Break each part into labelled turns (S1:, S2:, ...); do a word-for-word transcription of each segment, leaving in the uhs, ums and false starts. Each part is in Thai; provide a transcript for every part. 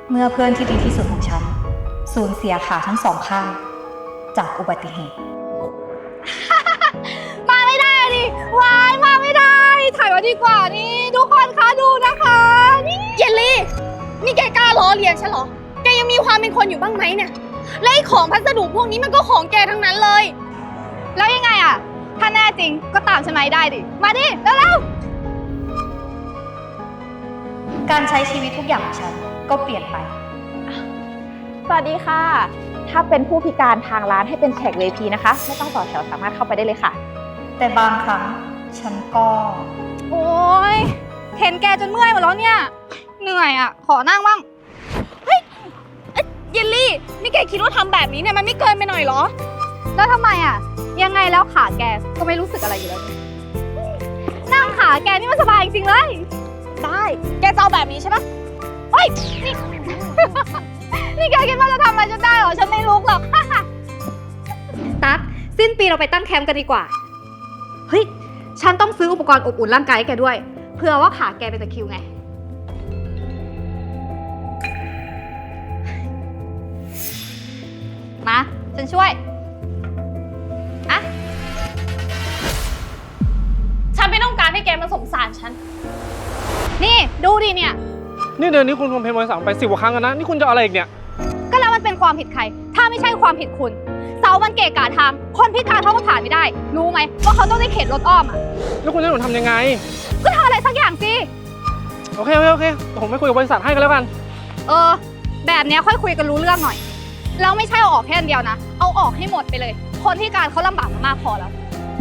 S1: เมื่อเพื่อนที่ดีที่สุดของฉันสูญเสียขาทั้งสองข้างจากอุบัติเหตุ
S2: มาไม่ได้ดิวายมาไม่ได้ถ่ายไว้ดีกว่านี่ทุกคนคะดูนะคะนี่เยลลี่นี่แกกล้าล้อเลียนฉันเหรอแกยังมีความเป็นคนอยู่บ้างไหมเนี่ยและไอ้ของพัสดุพวกนี้มันก็ของแกทั้งนั้นเลยแล้วยังไงอะถ้าแน่จริงก็ตามฉันมาได้ดิมาดิเร็วๆ
S1: การใช้ชีวิตทุกอย่างของฉันก็เปลี่ยนไป
S3: สวัสดีค่ะถ้าเป็นผู้พิการทางร้านให้เป็นแขก วี ไอ พี นะคะไม่ต้องต่อแถวสามารถเข้าไปได้เลยค่ะ
S1: แต่บางครั้งฉันก็
S2: โอ๊ยเห็นแกจนเมื่อยหมดแล้วเนี่ยเหนื่อยอ่ะขอนั่งบ้างเฮ้ยเยลลี่นี่แกคิดว่าทำแบบนี้เนี่ยมันไม่เกินไปหน่อยเหรอแล้วทำไมอ่ะยังไงแล้วขาแกก็ไม่รู้สึกอะไรอยู่แล้วนั่งขาแกนี่มันสบายจริงๆเลยได้แกจะเอาแบบนี้ใช่ปะเฮ้ยนี่ นี่แกคิดว่าจะทำอะไรฉันได้เหรอฉันไม่ลุกหรอก
S1: ตั๊กสิ้นปีเราไปตั้งแคมป์กันดีกว่าเฮ้ยฉันต้องซื้ออุปกรณ์อบอุ่นร่างกายให้แกด้วยเผื่อว่าขาแกเป็นตะคริวไงมาฉันช่วยอะ
S2: ฉันไม่ต้องการให้แกมาสงสารฉันนี่ดูดิเนี่ย
S4: นี่เดือนนี้คุณคอมเพลนบริษัทไปสิบกว่าครั้งแล้วนะนี่คุณจะอะไรอีกเนี่ย
S2: ก็แล้วมันเป็นความผิดใครถ้าไม่ใช่ความผิดคุณเสามันเกะกะทางคนพิการเขาก็ผ่านไม่ได้รู้ไหมว่าเขาต้องได้เข็นรถอ้อมอ่ะ
S4: แล้วคุณจะหนูทำยังไง
S2: ก็ทำอะไรสักอย่างสิ
S4: โอเคโอเคโอเคผมไม่คุยกับบริษัทให้กันแล้วกัน
S2: เออแบบเนี้ยค่อยคุยกันรู้เรื่องหน่อยแล้วไม่ใช่เอาออกแค่อันเดียวนะเอาออกให้หมดไปเลยคนพิการเขาลำบากมามากพอแล้ว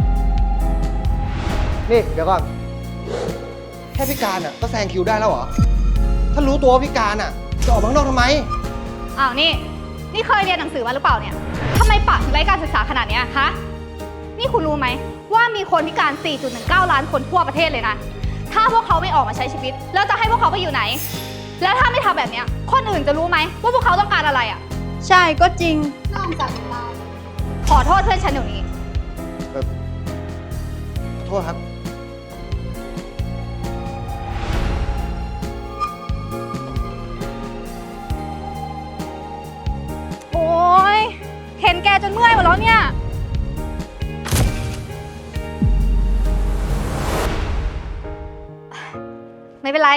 S5: นี่เดี๋ยวก่อนแค่พิการอ่ะก็แซงคิวได้แล้วเหรอถ้ารู้ตัวว่าพิการอ่ะจะออกมาข้างนอกทำไม
S2: อ้าวนี่นี่เคยเรียนหนังสือมาหรือเปล่าเนี่ยทำไมปากถึงไร้การศึกษาขนาดนี้คะนี่คุณรู้ไหมว่ามีคนพิการ สี่จุดหนึ่งเก้า ล้านคนทั่วประเทศเลยนะถ้าพวกเขาไม่ออกมาใช้ชีวิตแล้วจะให้พวกเขาไปอยู่ไหนแล้วถ้าไม่ทำแบบนี้คนอื่นจะรู้ไหมว่าพวกเขาต้องการอะไรอ่ะ
S1: ใช่ก็จริง
S2: นอกจากเราขอโทษเพื่อนฉันเดี๋ยวนี้
S5: ขอโทษครับ
S2: โอ๊ยเห็นแกจนเมื่อยหมดแล้วเนี่ยไม่เป็นไร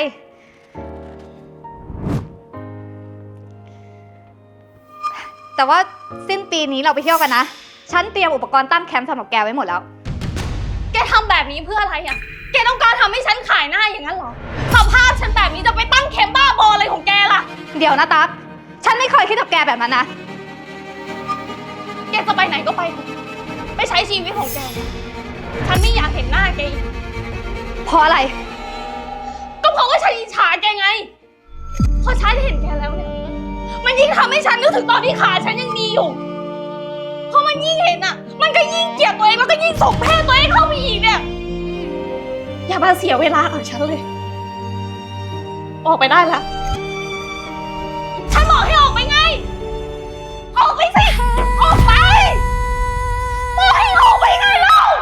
S2: แต่ว่าสิ้นปีนี้เราไปเที่ยวกันนะฉันเตรียมอุปกรณ์ตั้งแคมป์สำหรับแกไว้หมดแล้วแกทำแบบนี้เพื่ออะไรอ่ะแกต้องการทำให้ฉันขายหน้าอย่างนั้นเหรอสภาพฉันแบบนี้จะไปตั้งแคมป์บ้าบออะไรของแกล่ะเดี๋ยวนะตั๊กฉันไม่เคยคิดกับแกแบบนั้นนะแกจะไปไหนก็ไปไปใช้ชีวิตของแกฉันไม่อยากเห็นหน้าแกอีกเพราะอะไรก็เพราะว่าฉันอิจฉาแกไงพอฉันเห็นแกแล้วเนี่ยมันยิ่งทำให้ฉันนึกถึงตอนที่ขาฉันยังดีอยู่เพราะมันยิ่งเห็นอ่ะมันก็ยิ่งเกลียดตัวเองแล้วก็ยิ่งส่งแพ้ตัวเองเข้าไปอีกเนี่ยอย่ามาเสียเวลากับฉันเลยออกไปได้แล้วฉันบอกให้ออกไปไงออกไปสิออกไปบอกให้ออกไปไงเล่า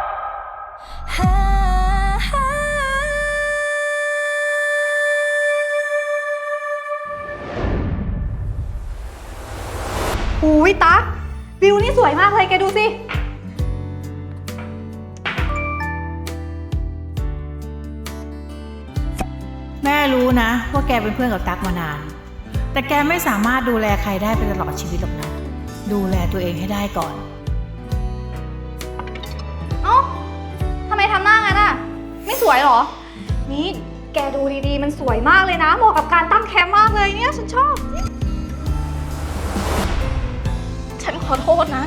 S1: อุ้ยตั๊กวิวนี่สวยมากเลยแกดูสิ
S6: แม่รู้นะว่าแกเป็นเพื่อนกับตั๊กมานานแต่แกไม่สามารถดูแลใครได้ไปตลอดชีวิตหรอกนะดูแลตัวเองให้ได้ก่อน
S2: เอ้าทำไมทำหน้างั้นอ่ะไม่สวยหรอนี่แกดูดีๆมันสวยมากเลยนะเหมาะกับการตั้งแคมป์มากเลยเนี่ยฉันชอบฉันขอโทษนะ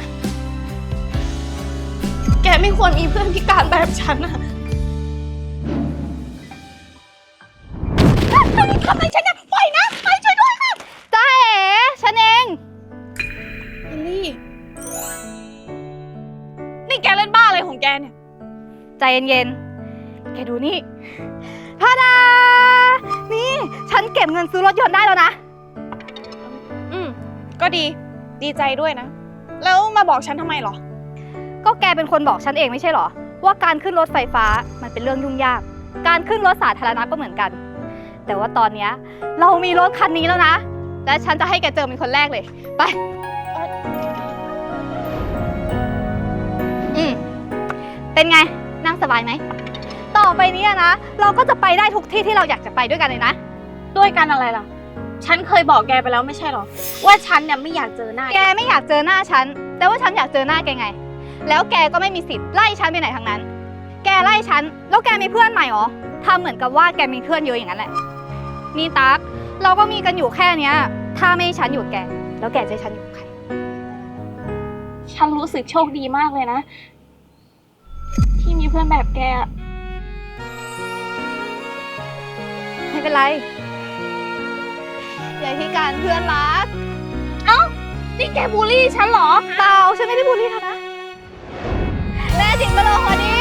S2: แกไม่ควรมีเพื่อนพิการแบบฉันอะทำไมฉันเนี่ยปล่อยนะไปช่วยด้วยค่ะจ้าเอ๋ฉันเองเอลลี่นี่แกเล่นบ้าอะไรของแกเนี่ยใจเย็นๆแกดูนี่พาดานี่ฉันเก็บเงินซื้อรถยนต์ได้แล้วนะอืมก็ดีดีใจด้วยนะแล้วมาบอกฉันทำไมหรอก็แกเป็นคนบอกฉันเองไม่ใช่หรอว่าการขึ้นรถไฟฟ้ามันเป็นเรื่องยุ่งยากการขึ้นรถสาธารณะก็เหมือนกันแต่ว่าตอนนี้เรามีรถคันนี้แล้วนะและฉันจะให้แกเจอเป็นคนแรกเลย ไป อืม เป็นไง นั่งสบายไหม ต่อไปเนี้นะ เราก็จะไปได้ทุกที่ที่เราอยากจะไปด้วยกันเลยนะ
S3: ด้วยกันอะไรล่ะ ฉันเคยบอกแกไปแล้วไม่ใช่หรอ ว่าฉันเนี่ยไม่อยากเจอหน้า
S2: แกไม่อยากเจอหน้าฉัน แต่ว่าฉันอยากเจอหน้าแกไง แล้วแกก็ไม่มีสิทธิ์ไล่ฉันไปไหนทั้งนั้น แกไล่ฉัน แล้วแกมีเพื่อนใหม่เหรอทำเหมือนกับว่าแกมีเพื่อนเยอะอย่างนั้นแหละ นี่ตั๊ก เราก็มีกันอยู่แค่เนี้ย ถ้าไม่ให้ฉันอยู่กับแก แล้วแกจะให้ฉันอยู่กับใคร
S3: ฉันรู้สึกโชคดีมากเลยนะ ที่มีเพื่อนแบบแกอะ
S2: ไม่เป็นไรอย่าพิการเพื่อนรัก เอ้า นี่แกบูลลี่ฉันเหรอ เปล่า ฉันไม่ได้บูลลี่เธอนะ แน่จริงก็ลงมาดิ